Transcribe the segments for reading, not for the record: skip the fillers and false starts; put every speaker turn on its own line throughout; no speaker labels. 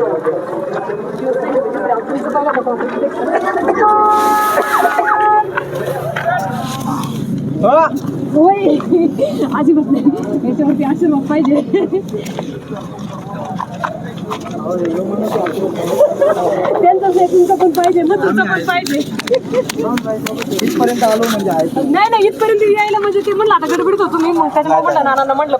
होय अजिबात नाही, याच्यावरती आशीर्वाद पाहिजे. त्यांचं तुमचं पण पाहिजे ना, तुमचं पण पाहिजे.
इथपर्यंत आलो म्हणजे
नाही इथपर्यंत यायला म्हणजे ते म्हणलं आता गडबडीत होतो मी, मग त्याच्यामुळे म्हणलं नानांना म्हणलं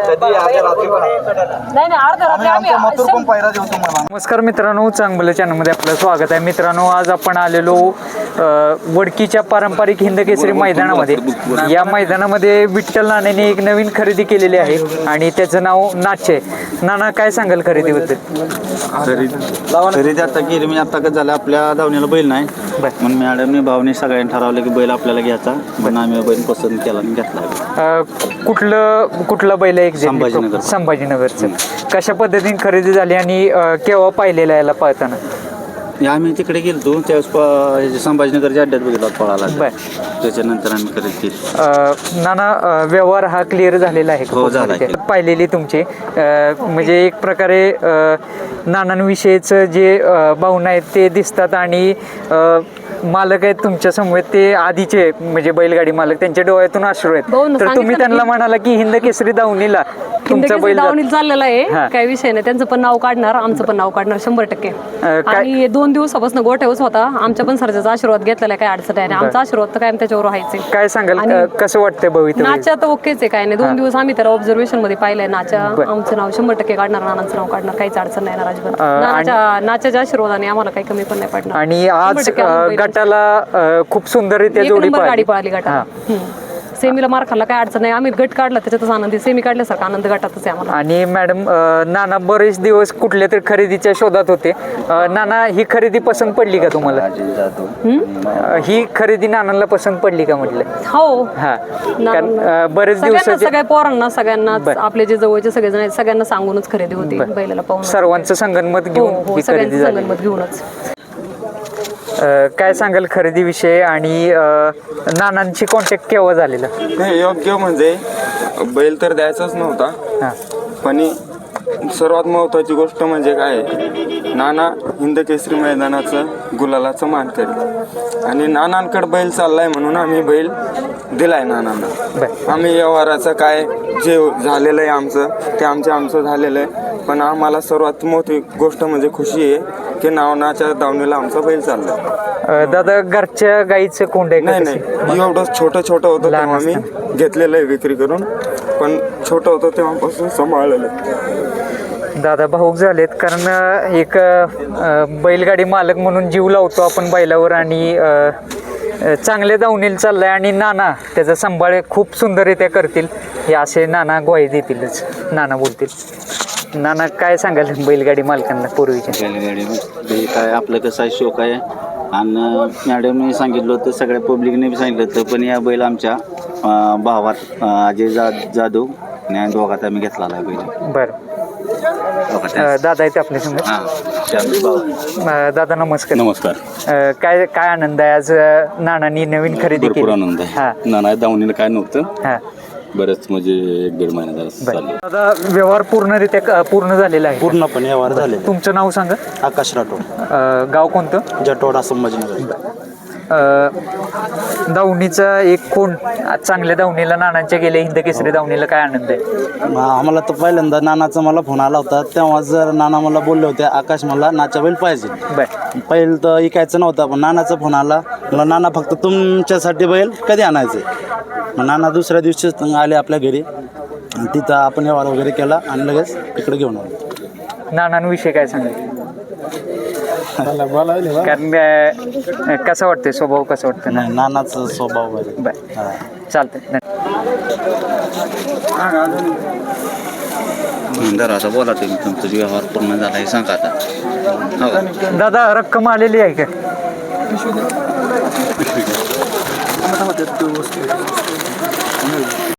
नाही अर्ध्या रात्री आम्ही.
नमस्कार मित्रांनो, चांगलं चॅनलमध्ये आपलं स्वागत आहे. मित्रांनो, आज आपण आलेलो वडकीच्या पारंपरिक हिंदकेसरी मैदानामध्ये. या मैदानामध्ये विठ्ठल नानांनी एक नवीन खरेदी केलेली आहे आणि त्याचं नाव नाच आहे. नाना, काय सांगाल खरेदीबद्दल?
खरेदी आता केली म्हणजे आता कसं झालं, आपल्या धावणीला बैल नाही म्हणून मॅडमने भावने सगळ्यांनी ठरवलं की बैल आपल्याला घ्यायचा, पण आम्ही बैल पसंत केला आणि घेतला.
कुठला बैल आहे? संभाजीनगरचं. कशा पद्धतीने खरेदी झाली आणि केव्हा पाहिलेला याला पळताना?
आम्ही तिकडे गेलतो त्यावेळेस संभाजीनगरच्या अड्ड्यात बघितला पळाला, त्याच्यानंतर आम्ही खरेदी केली.
नाना, व्यवहार हा क्लिअर झालेला आहे?
हो, झाला.
पाहिलेली तुमची म्हणजे एक प्रकारे नानांविषयीचं जे भावना आहेत ते दिसतात आणि मालक आहेत तुमच्या समोर, ते आधीचे म्हणजे बैलगाडी मालक, त्यांच्या डोळ्यातून अश्रू आहेत. तर तुम्ही त्यांना म्हणाला की हिंद केसरी दावणीला तुमचा बैल
चाललेला आहे, काही विषय नाही. त्यांचं पण नाव काढणार, आमचं पण नाव काढणार 100%. आणि 2 दिवसापासून गोठ्यावरच होता. आमच्या पण सरच्याचा आशीर्वाद घेतलेला आहे, काय अडचण आहे. आमचा आशीर्वाद तर काय त्याच्यावर व्हायचे.
काय सांगाल, कसं वाटतंय भविष्य?
नाच्या तर ओकेच आहे, काय नाही. 2 दिवस आम्ही त्याला ऑब्झर्वेशन मध्ये पाहिलंय. नाच्या आमचं नाव 100% काढणार, नानांचं नाव काढणार, काहीच अडचण नाही अजिबात. नाच्याच्या आशीर्वादाने आम्हाला काही कमी पण नाही पडणार.
आणि आज गटाला खूप सुंदररित्या जोडी
गाडी पळाली गटाला. सेमीला मार खाल्ला, काय अडचण नाही. आम्ही गट काढला त्याच्यातच आनंदी, सेमी काढल्यासारखा आनंद गटातच आहे आम्हाला.
आणि मॅडम, नाना बरेच दिवस कुठल्या तरी खरेदीच्या शोधात होते. नाना, ही खरेदी पसंत पडली का तुम्हाला? ही खरेदी नानांना पसंत पडली का म्हटलं?
हो,
बरेच दिवस
सगळ्या पोरांना, सगळ्यांना, आपले जे जवळचे सगळेजण आहेत सगळ्यांना सांगूनच खरेदी होती. बैलाला पाहून
सर्वांचं संगनमत घेऊन ही खरेदी झाली.
संगनमत घेऊनच.
काय सांगाल खरेदीविषयी आणि नानांची कॉन्टॅक्ट केव्हा झालेला?
नाही, योग्य म्हणजे बैल तर द्यायचाच नव्हता, पण सर्वात महत्त्वाची गोष्ट म्हणजे काय, नाना हिंद केसरी मैदानाचं गुलालाचं मानकरी आणि नानांकडे बैल चाललाय म्हणून आम्ही बैल दिलाय नानांना. आम्ही व्यवहाराचं काय जे झालेलं आहे आमचं ते आमचं झालेलं आहे, पण आम्हाला सर्वात मोठी गोष्ट म्हणजे खुशी आहे की नावनाच्या दावणीला आमचा बैल चाललाय.
दादा, घरच्या गाईचं कोंड आहे?
नाही, एवढं छोटं होतं तेव्हा आम्ही घेतलेलं आहे विक्री करून, पण छोटं होतं तेव्हापासून सांभाळलेलं आहे.
दादा भाऊक झालेत, कारण एक बैलगाडी मालक म्हणून जीव लावतो आपण बैलावर आणि चांगले दावणीला चाललाय आणि नाना त्याचा सांभाळ खूप सुंदररित्या करतील हे असे नाना ग्वाही देतीलच. नाना बोलतील. नाना, काय सांगाल बैलगाडी मालकांना पूर्वीच्या?
बैलगाडी काय आपलं कसं आहे, शोक आहे. आणि मॅडमने सांगितलं होतं, सगळ्या पब्लिकने बी सांगितलं होतं, पण या बैल आमच्या भावात अजय जाधव आणि दोघात आम्ही घेतला आहे बैल.
बरं. दादा आहेत आपल्या समोर. दादा, नमस्कार.
नमस्कार.
काय आनंद आहे आज नानांनी नवीन खरेदी केली?
भरपूर आनंद आहे. नाना दावणीला काय नव्हतं, बरंच म्हणजे 1.5 महिना झाला.
दादा, व्यवहार पूर्ण झालेला आहे?
पूर्णपणे व्यवहार झाले.
तुमचं नाव सांगा.
आकाश राठोड.
गाव कोणतं?
जटोडा, संभाजीनगर.
दावणीचा एक कोण चांगल्या दावणीला नानांच्या गेले हिंद केसरी दावणीला, काय आनंद आहे?
आम्हाला तर पहिल्यांदा नानाचा मला फोन आला होता, तेव्हा जर नाना मला बोलले होते, आकाश मला नाचा बैल पाहिजे. पहिलं तर ऐकायचं नव्हतं, पण नानाचा फोन आला. मला नाना फक्त तुमच्यासाठी बैल कधी आणायचे? मग नाना दुसऱ्या दिवशी आले आपल्या घरी, तिथं आपण व्यवहार वगैरे केला आणि लगेच तिकडे घेऊन आलो.
नानांविषयी काय सांगायचं? कारण कसं वाटतंय, स्वभाव कसा वाटतं?
नाही, नानाचा स्वभाव
बर, चालतंय.
आता बोला तुम्ही, तुमचा व्यवहार पूर्ण झाला हे सांगा आता.
दादा, रक्कम आलेली आहे का?